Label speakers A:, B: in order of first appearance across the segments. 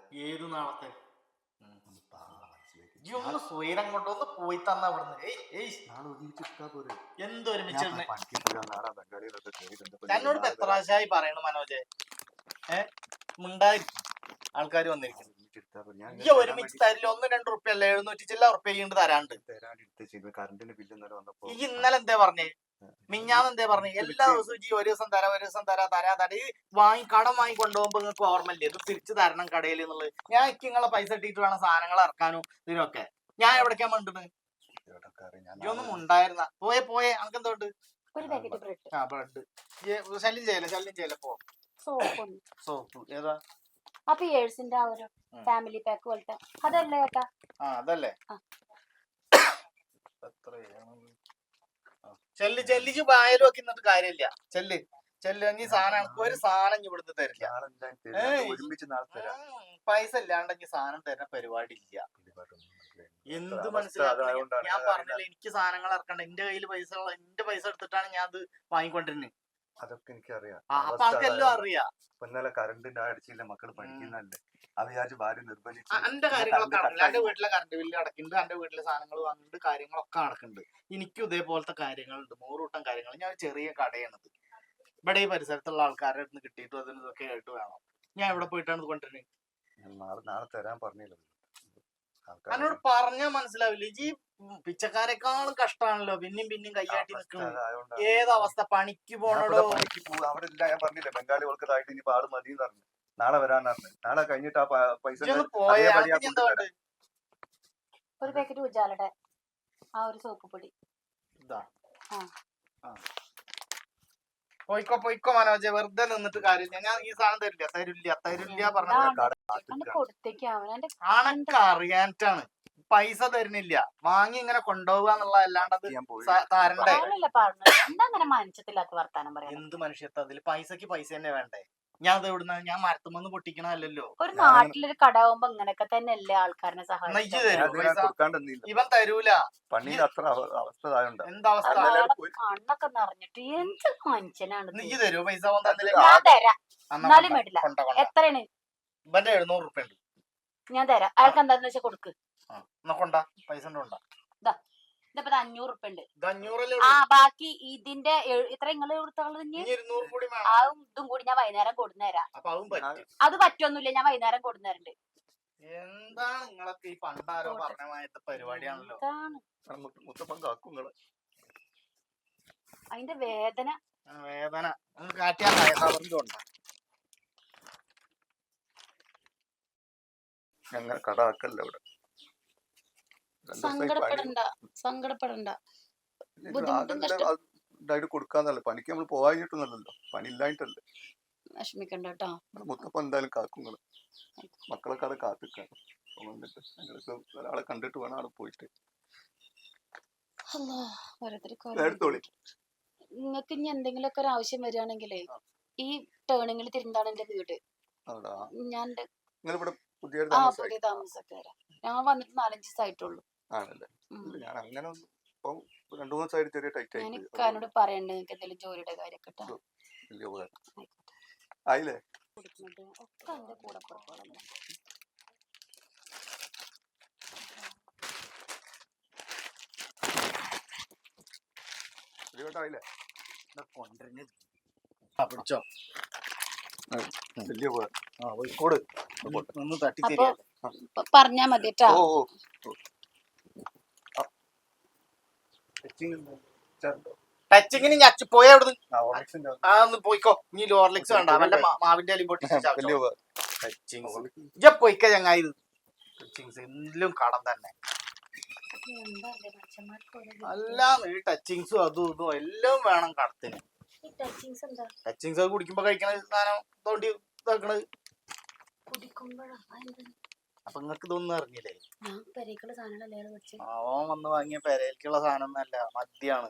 A: ഏത് നാളത്തെ
B: ഒന്ന് പറ മനസ്സിലേക്ക്.
A: ഈ ഒന്ന് സ്വൈരം കൊണ്ടൊന്ന് പോയി തന്ന ഇവിടുന്ന്.
B: നാളെ ഒരുമിച്ചിട്ടാ പോരെ.
A: എന്തൊരുമിച്ച്
B: പണിക്ക് പോയി നാളെ ബംഗാളികളൊക്കെ കയറി
A: എന്നോട് എത്ര പ്രാവശ്യമായി പറയണു മനോജെ. മുണ്ടായി ആൾക്കാർ വന്നിരിക്കുന്നു. ഒരുമിച്ച് തരില്ല. 1-2 റുപ്യ അല്ല 700 ചില്ല റുപ്യ തരാണ്ട്.
B: കറണ്ടിന് ബില്ല് വന്നപ്പോ
A: ഈ ഇന്നലെ എന്താ പറഞ്ഞേ? മിഞ്ഞാന്ന് എന്താ പറഞ്ഞേ? എല്ലാ ദിവസവും ഈ ഒരു ദിവസം തരാ ഈ കടം വാങ്ങി കൊണ്ടുപോകുമ്പോ നിങ്ങൾക്ക് ഓർമ്മയില്ലേ ഇത് തിരിച്ചു തരണം കടയിൽ എന്നുള്ളത്? ഞാൻ നിങ്ങളെ പൈസ ഇട്ടിട്ട് വേണം സാധനങ്ങൾ ഇറക്കാനും ഇതിനൊക്കെ. ഞാൻ എവിടേക്കാ മണ്ടുന്നത്? ഇതൊന്നും ഉണ്ടായിരുന്ന പോയെ അനക്ക് എന്തോണ്ട്? ബ്രെഡ് ശല്യം ചെയ്യല പോ. സോപ്പ് ഏതാ?
C: ഫാമിലി പാക്ക് പോലത്തെ അതല്ലേ ഏട്ടാ?
A: അതല്ലേ. ചെല്ലിച്ച് വായലും ഒക്കെ ഇന്നിട്ട് കാര്യമില്ല. ചെല്ലി സാധനം ഒരു സാധനം ഇവിടുന്ന് തരില്ല. പൈസ ഇല്ലാണ്ടെങ്കിൽ സാധനം തരുന്ന പരിപാടി ഇല്ല. എന്ത് മനസ്സിലാക്കണം? ഞാൻ പറഞ്ഞില്ല എനിക്ക് സാധനങ്ങൾ ഇറക്കണ്ട. എന്റെ കയ്യിൽ എന്റെ പൈസ എടുത്തിട്ടാണ് ഞാൻ അത് വാങ്ങിക്കൊണ്ടിരുന്നത്.
B: അതൊക്കെ എനിക്കറിയാം.
A: അപ്പൊ ആൾക്കെല്ലാം അറിയാം.
B: ഇന്നലെ കറണ്ടിന്റെ അടിച്ചില്ല, മക്കള് പഠിക്കുന്നല്ലേ. അത് വിചാരിച്ച് ഭാര്യ നിർബന്ധിച്ചു.
A: എന്റെ കാര്യങ്ങളൊക്കെ നടക്കില്ല. എന്റെ വീട്ടിലെ കറണ്ട് ബില്ല് അടക്കുന്നുണ്ട്, എന്റെ വീട്ടിലെ സാധനങ്ങൾ വാങ്ങുന്നുണ്ട്, കാര്യങ്ങളൊക്കെ നടക്കുന്നുണ്ട്. എനിക്കും ഇതേപോലത്തെ കാര്യങ്ങളുണ്ട്, 100 കൂട്ടം കാര്യങ്ങൾ. ഞാൻ ചെറിയ കടയാണത്. ഇവിടെ ഈ പരിസരത്തുള്ള ആൾക്കാരുടെ അടുത്ത് കിട്ടിയിട്ടും അതിന് ഇതൊക്കെ ആയിട്ട് വേണം. ഞാൻ എവിടെ പോയിട്ടാണ് ഇത് കൊണ്ടിരുന്നത്?
B: നാളെ തരാൻ പറഞ്ഞില്ല.
A: എന്നോട് പറഞ്ഞാൽ മനസ്സിലാവില്ല. ഈ പിച്ചക്കാരെക്കാളും കഷ്ടമാണല്ലോ പിന്നെയും കയ്യാട്ടി നിൽക്കുന്നത്. ഏതവസ്ഥ? പണിക്ക് പോണോ?
B: അവിടെ ഇല്ല. ഞാൻ പറഞ്ഞില്ലേ ബംഗാളികൾക്ക് തായിട്ട് ഇനി ആള് മതി എന്ന് പറഞ്ഞു. നാളെ വരാന്ന് പറഞ്ഞു. നാളെ കഴിഞ്ഞിട്ട് ആ പൈസ
C: ഒരു പാക്കറ്റ് ഉജാലയുടെ ആ ഒരു സോപ്പ് പൊടി.
A: പോയിക്കോ മനോജ്, വെറുതെ നിന്നിട്ട് കാര്യമില്ല. ഞാൻ ഈ സാധനം തരില്ല ആണൊക്കെ അറിയാനിട്ടാണ്. പൈസ തരുന്നില്ല, വാങ്ങി ഇങ്ങനെ കൊണ്ടുപോവുക എന്നുള്ള അല്ലാണ്ടത് താരണ്ടേ. എന്ത് മനുഷ്യത്വം അതില്? പൈസക്ക് പൈസ തന്നെ വേണ്ടേ? ഞാൻ അത് എവിടുന്ന? ഞാൻ മരത്തുമെന്ന് പൊട്ടിക്കണല്ലോ.
C: ഒരു നാട്ടിലൊരു കടയാവുമ്പോ ഇങ്ങനെയൊക്കെ തന്നെ അല്ലേ ആൾക്കാരനെ സഹായിക്കും.
A: ഇവൻ തരൂല. എന്താവസ്ഥ?
C: കണ്ണൊക്കെ നിറഞ്ഞിട്ട് എന്ത് മനുഷ്യനാണ്.
A: നീ തരൂ പൈസ?
C: ഞാൻ തരാം, എന്നാലും വേണ്ടില്ല. എത്രയാണ്?
A: ഇവന്റെ 700 റുപ്യ ഉണ്ട്.
C: ഞാൻ തരാം. അയാൾക്ക് എന്താന്ന് വെച്ചാൽ കൊടുക്ക്.
A: പൈസ
C: ഇതിപ്പോ 500 റുപ്യ ഉണ്ട്. ബാക്കി ഇതിന്റെ ഇത്ര നിങ്ങള് കൊടുത്തോളൂ. അതും ഇതും കൂടി ഞാൻ വൈകുന്നേരം കൊടുന്നേരാം. അത് പറ്റൊന്നുമില്ല, ഞാൻ വൈകുന്നേരം കൊടുന്നേരണ്ട്.
A: എന്താണ് നിങ്ങളൊക്കെ ഈ പണ്ടാരോ പറഞ്ഞ പരിപാടിയാണല്ലോ.
C: അതിന്റെ വേദന
B: ഞങ്ങൾ കടാക്കല്ല ഇവിടെ.
C: സങ്കടപ്പെടണ്ട.
B: ഇതായിട്ട് കൊടുക്കാന്നല്ല, പണിക്ക് നമ്മൾ പോവാഞ്ഞിട്ടൊന്നല്ലോ, പണി ഇല്ലായിട്ടല്ലേ.
C: വിഷമിക്കണ്ട കേട്ടോ.
B: മുത്തപ്പ എന്തായാലും കാക്കുങ്ങള് മക്കളൊക്കെ അവിടെ കാത്തിക്കാണ്. വന്നിട്ട് ഞങ്ങൾക്ക് ഒരാളെ കണ്ടിട്ട് വേണം അവിടെ പോയിട്ട്.
C: നിങ്ങൾക്ക് ഇനി എന്തെങ്കിലുമൊക്കെ ഒരു ആവശ്യം വരികയാണെങ്കിലേ ഈ ടേണിങ്ങിൽ തിരുന്താണ് എന്റെ വീട്. ഞാൻ
B: പുതിയ
C: താമസക്കാരാ. ഞാൻ വന്നിട്ട് 4-5 ദിവസമായിട്ടുള്ളൂ.
B: ആണല്ലേ? ഞാൻ അങ്ങനെ 2-3 ദിവസമായിട്ട് ചെറിയ ടൈറ്റ് ആയി.
C: എന്നോട് പറയണ്ടേ നിങ്ങൾക്ക് എന്തെങ്കിലും ജോലിയുടെ കാര്യമൊക്കെ
B: ആയില്ലേ?
C: ഒക്കെ എന്റെ കൂടെ പുറപ്പാടല്ലേ. പറഞ്ഞാ മതി കേട്ടോ.
A: ടച്ചിങ്ങിന് ഞച്ചു പോയ അവിടുന്ന് പോയിക്കോ. നീ ലോർലിക്സ് വേണ്ട, അവന്റെ മാവിന്റെ അലിയും പൊട്ടി പോയിക്ക ചങ്ങായി. എല്ലാം കടം തന്നെ. എല്ലാം ഈ ടച്ചിങ്സും അതും ഇതും എല്ലാം വേണം കടത്തിന്. ടച്ചിങ്സ് കുടിക്കുമ്പോ കഴിക്കണ സാധനം തോണ്ടി ഇതാക്കണത്. അപ്പൊ നിങ്ങക്ക് ഇതൊന്നും അറിഞ്ഞില്ലേ? അവൻ വന്ന് വാങ്ങിയ പെരയിലേക്കുള്ള സാധനം ഒന്നല്ല, മദ്യാണ്.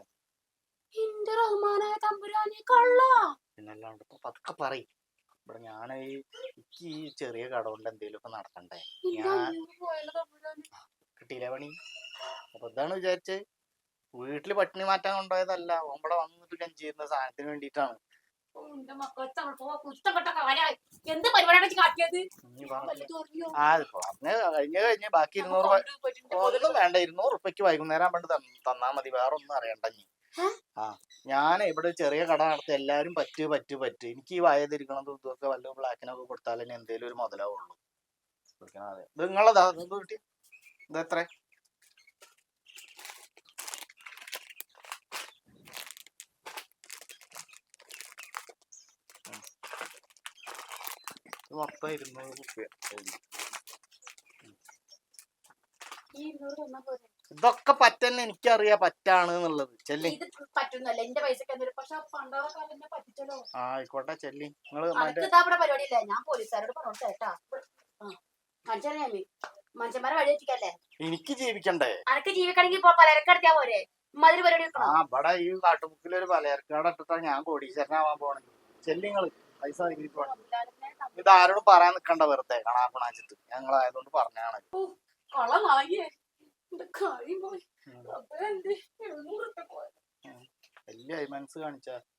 A: പിന്നല്ലാണ്ട് ഇപ്പൊ പതുക്കെ പറയും. ഇവിടെ ഞാൻ ഈ ചെറിയ കട കൊണ്ട് എന്തേലും ഒക്കെ നടത്തണ്ടേ? ഞാൻ കിട്ടിയില്ല പണി. അപ്പൊ ഇതാണ് വിചാരിച്ചത്. വീട്ടില് പട്ടിണി മാറ്റാൻ കൊണ്ടുപോയതല്ല, ഇവിടെ വന്നിട്ട് കഞ്ചിരുന്ന സാധനത്തിന് വേണ്ടിയിട്ടാണ്.
C: എന്റെ മക്കളെ കുറ്റപ്പെട്ട കാര്യം എന്ത് പരിപാടിയാണ് കാട്ടിയത്?
A: കഴിഞ്ഞ് ബാക്കി 200 ഒന്നും വേണ്ട. 200 ഉറുപ്പ്യക്ക് വൈകുന്നേരം പണ്ട് തന്നാ മതി, വേറെ ഒന്നും അറിയണ്ട. ആ ഞാൻ ഇവിടെ ചെറിയ കട നടത്തി എല്ലാരും പറ്റ് എനിക്ക് ഈ വയതിരിക്കണതും ഇതൊക്കെ വല്ല ബ്ലാക്കിനൊക്കെ കൊടുത്താൽ തന്നെ എന്തേലും ഒരു മുതലാവുള്ളൂ. ഇത് നിങ്ങളതാ, ഇത് കിട്ടി. ഇത് എത്ര? മൊത്തം 200 ഉറുപ്പ്യ. ഇതൊക്കെ പറ്റന്നെ എനിക്കറിയാം പറ്റാണ് എന്നുള്ളത്. ചെല്ലി
C: പറ്റുന്നല്ല എന്റെ പൈസക്ക്. പക്ഷെ പറ്റിച്ചല്ലോ.
A: ആയിക്കോട്ടെ ചെല്ലി. നിങ്ങള്
C: പരിപാടിയില്ല, ഞാൻ പോലീസുകാരോട് പറഞ്ഞു കേട്ടാ. മനുഷ്യന്മാരെ വഴി വെച്ചിട്ടല്ലേ
A: എനിക്ക് ജീവിക്കണ്ടേ?
C: അനക്ക് ജീവിക്കണമെങ്കിൽ പലചരക്കടത്തിയാ പോരെ? മതിരി പരിപാടി
A: ഇവിടെ ഈ കാട്ടുമുക്കിൽ ഒരു പലചരക്കട ഇട്ടിട്ടാ ഞാൻ കോടീശ്വരനാവാൻ പോണേ. ചെല്ലിങ്ങള് പൈസ ഇത് ആരോടും പറയാൻ നിക്കണ്ട, വെറുതെ കണാപ്പണാച്ചിട്ട്. ഞങ്ങളായതുകൊണ്ട് പറഞ്ഞാണ്. വലിയ മനസ്സ് കാണിച്ചാ